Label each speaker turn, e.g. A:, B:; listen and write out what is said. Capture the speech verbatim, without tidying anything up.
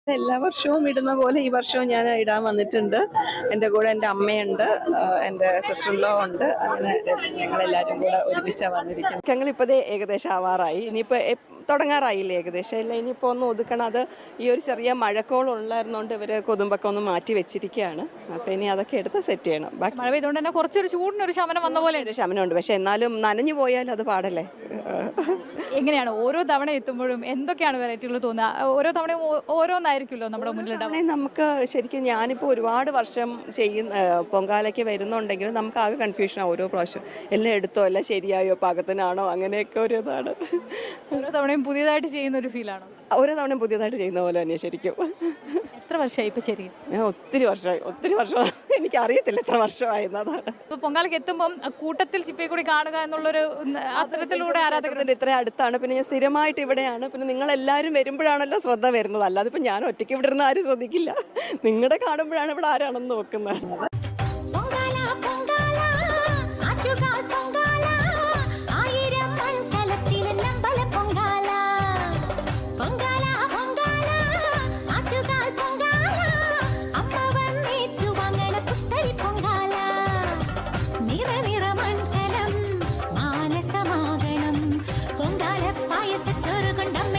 A: എല്ലാ വർഷവും ഇടുന്ന പോലെ ഈ വർഷവും ഞാൻ ഇടാൻ വന്നിട്ടുണ്ട്. എൻ്റെ കൂടെ എൻ്റെ അമ്മയുണ്ട്, ആഹ് എൻ്റെ സിസ്റ്റർ ഇൻ ലോ ഉണ്ട്. അങ്ങനെ ഞങ്ങളെല്ലാവരും കൂടെ ഒരുമിച്ചാണ് വന്നിരിക്കുന്നത്. ഞങ്ങളിപ്പോൾ ദേ ഏകദേശം ആവാറായി. ഇനിയിപ്പോൾ തുടങ്ങാറായില്ലേ ഏകദേശം. ഇല്ല, ഇനിയിപ്പോൾ ഒന്ന് ഒതുക്കണം. അത് ഈ ഒരു ചെറിയ മഴക്കോൾ ഉള്ളായിരുന്നോണ്ട് ഇവർ കൊതുമ്പൊക്കെ ഒന്ന് മാറ്റി വെച്ചിരിക്കുകയാണ്. അപ്പോൾ ഇനി അതൊക്കെ എടുത്ത് സെറ്റ് ചെയ്യണം. ബാക്കി
B: മഴ പെയ്തുകൊണ്ട് തന്നെ കുറച്ചൊരു ചൂടിനൊരു ശമനം വന്ന പോലെ
A: ഒരു ശമനമുണ്ട്. പക്ഷെ എന്നാലും നനഞ്ഞു പോയാൽ അത് പാടല്ലേ.
B: എങ്ങനെയാണ് ഓരോ തവണ എത്തുമ്പോഴും എന്തൊക്കെയാണ് വെറൈറ്റികൾ തോന്നുക? ഓരോ തവണയും ഓ- ഓരോന്നായിരിക്കുമല്ലോ നമ്മുടെ മുന്നിലുണ്ടാവുക.
A: അങ്ങനെ നമുക്ക് ശരിക്കും ഞാനിപ്പോൾ ഒരുപാട് വർഷം ചെയ്യുന്ന ഏഹ് പൊങ്കാലയ്ക്ക് വരുന്നുണ്ടെങ്കിലും നമുക്ക് ആകെ കൺഫ്യൂഷനാണ് ഓരോ പ്രാവശ്യം. എല്ലാം എടുത്തോ, എല്ലാം ശരിയായോ, പാകത്തിനാണോ, അങ്ങനെയൊക്കെ ഒരു ഇതാണ്.
B: ഓരോ തവണയും പുതിയതായിട്ട് ചെയ്യുന്ന ഒരു ഫീലാണോ?
A: ഓരോ തവണയും പുതിയതായിട്ട് ചെയ്യുന്ന പോലെ തന്നെ ശരിക്കും.
B: എത്ര വർഷമായി ഇപ്പൊ ശരി?
A: ഞാൻ ഒത്തിരി വർഷമായി ഒത്തിരി വർഷം എനിക്കറിയത്തില്ല എത്ര വർഷമായിരുന്നതാണ്.
B: ഇപ്പൊ പൊങ്കാലയ്ക്ക് എത്തുമ്പോൾ കൂട്ടത്തിൽ ചിപ്പയെ കൂടി കാണുക എന്നുള്ളൊരു ഉം, അത്തരത്തിലൂടെ ആരാധകർ
A: ഇതിന്റെ ഇത്രയും അടുത്താണ്. പിന്നെ ഞാൻ സ്ഥിരമായിട്ട് ഇവിടെയാണ്. പിന്നെ നിങ്ങൾ എല്ലാവരും വരുമ്പോഴാണല്ലോ ശ്രദ്ധ വരുന്നത്. അല്ലാതെ ഇപ്പം ഞാൻ ഒറ്റയ്ക്ക് ഇവിടെ ഇരുന്ന് ആരും ശ്രദ്ധിക്കില്ല. നിങ്ങളുടെ കാണുമ്പോഴാണ് ഇവിടെ ആരാണെന്ന് നോക്കുന്നത്.
C: പൊങ്കാല പൊങ്കാല ആറ്റുകാൽ പൊങ്കാല ആയിരം മൺകലത്തിൽ നമ്പല പൊങ്കാല പൊങ്കാല പൊങ്കാല ആറ്റുകാൽ പൊങ്കാല അമ്മ വന്നേറ്റു വാങ്ങണ പുത്തരി പൊങ്കാല നിറ നിറ മൺകലം മാനസമാകണം പൊങ്കാല പായസ ചോറ് കൊണ്ടമ്മ